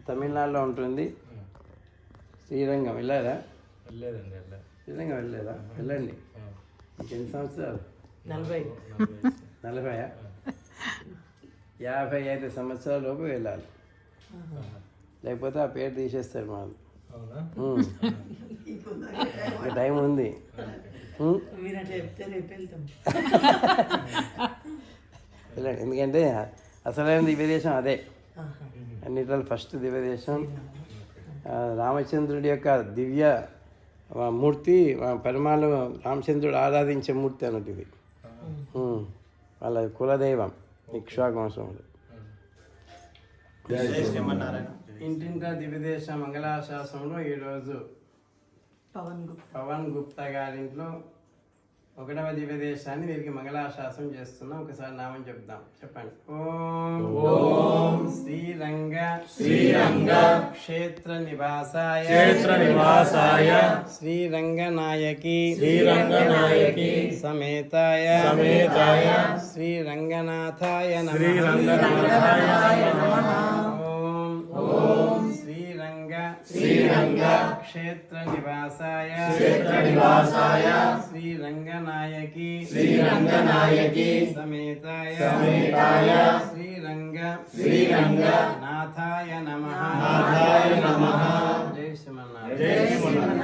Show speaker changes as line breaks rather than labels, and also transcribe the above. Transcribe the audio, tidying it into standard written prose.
తమిళనాడులో ఉంటుంది. శ్రీరంగం వెళ్ళారా?
వెళ్ళలేదండి.
శ్రీరంగం వెళ్ళలేదా? వెళ్ళండి. ఇంకెన్ని సంవత్సరాలు? 40 55 సంవత్సరాల లోపు వెళ్ళాలి, లేకపోతే ఆ పేరు తీసేస్తారు మనం. ఇంకా టైం ఉంది. వెళ్ళండి, ఎందుకంటే అసలైన దివ్యదేశం అదే. అన్నిట్లో ఫస్ట్ దివ్యదేశం రామచంద్రుడి యొక్క దివ్య మూర్తి, పరిమాణం రామచంద్రుడు ఆరాధించే మూర్తి అన్నట్టు ఇది. వాళ్ళ కులదైవం ఇక్ష్వాకు వంశంలో. ఇంటింటా దివ్యదేశ మంగళాశాసనంలో ఈరోజు పవన్ గుప్తా గారింట్లో 1వ దివ్యదేశాన్ని వీరికి మంగళాశాసనం చేస్తున్నాం. ఒకసారి నామం చెప్దాం, చెప్పండి. ఓం శ్రీరంగ క్షేత్ర నివాసాయ శ్రీరంగనాయకి సమేతాయ శ్రీరంగనాథాయ నమః. ఓం శ్రీరంగ క్షేత్ర నివాసాయ శ్రీరంగనాయకి సమేతాయ శ్రీరంగనాథాయ నమః. జై శ్రీమన్నారాయణ.